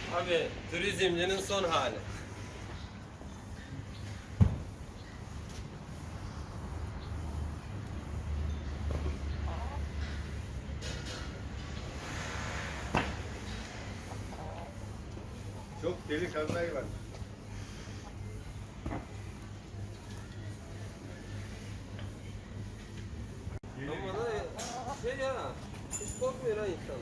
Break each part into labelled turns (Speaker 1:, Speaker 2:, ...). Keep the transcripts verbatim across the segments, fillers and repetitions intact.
Speaker 1: Abi turizmcinin son hali.
Speaker 2: Çok delikanlı hayvan.
Speaker 1: Ama da şey ya, hiç korkmuyor ha insan.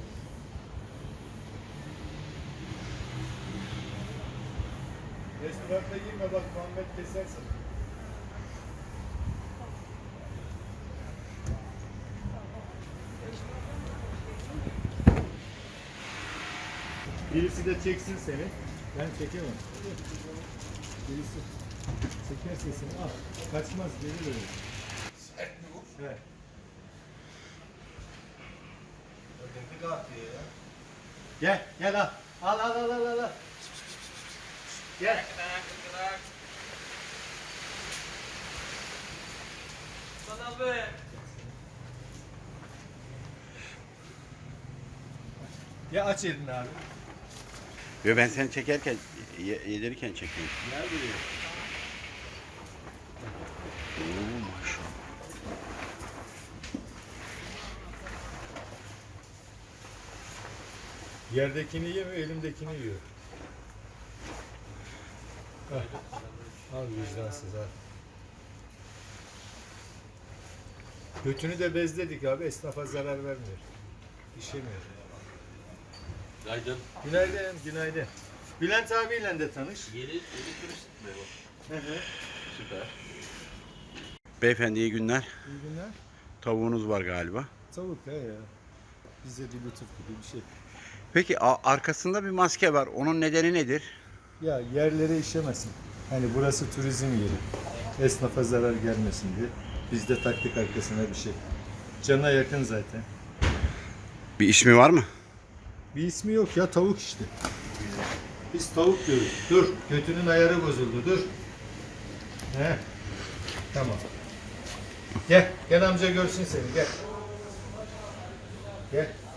Speaker 2: Restoranda girme bak Muhammed kesersin. Birisi de çeksin seni. Ben çekemem. Birisi çekerse seni al. Kaçmaz geri dönüyor.
Speaker 3: Sert mi bu?
Speaker 2: Evet.
Speaker 3: Öteki de atıyor ya.
Speaker 2: Gel gel al. Al al al al al. al. Gel.
Speaker 1: Sana be.
Speaker 2: Ya aç elini abi.
Speaker 4: Yo, ben seni çekerken, ye- yedirirken çekiyorum.
Speaker 2: Gel buraya.
Speaker 4: Oo, maşallah.
Speaker 2: Yerdekini yemiyor, elimdekini yiyor. Hah. Al vicdansız ha. Götünü de bezledik abi, esnafa zarar vermiyor. İşemiyor.
Speaker 3: Günaydın.
Speaker 2: Günaydın, günaydın. Bülent abiyle de tanış.
Speaker 3: Yeni, yeni turist mi bu?
Speaker 2: Hı hı.
Speaker 3: Süper.
Speaker 4: Beyefendi iyi günler.
Speaker 2: İyi günler.
Speaker 4: Tavuğunuz var galiba.
Speaker 2: Tavuk he ya. Bize bir lütuf gibi bir şey.
Speaker 4: Peki a- arkasında bir maske var. Onun nedeni nedir?
Speaker 2: Ya yerlere işemesin. Hani burası turizm yeri. Esnafa zarar gelmesin diye. Biz de taktık arkasına bir şey. Cana yakın zaten.
Speaker 4: Bir ismi var mı?
Speaker 2: Bir ismi yok ya, tavuk işte. Biz tavuk diyoruz. Dur, götünün ayarı bozuldu, dur. He. Tamam. Gel, gel amca görsün seni, gel. Gel.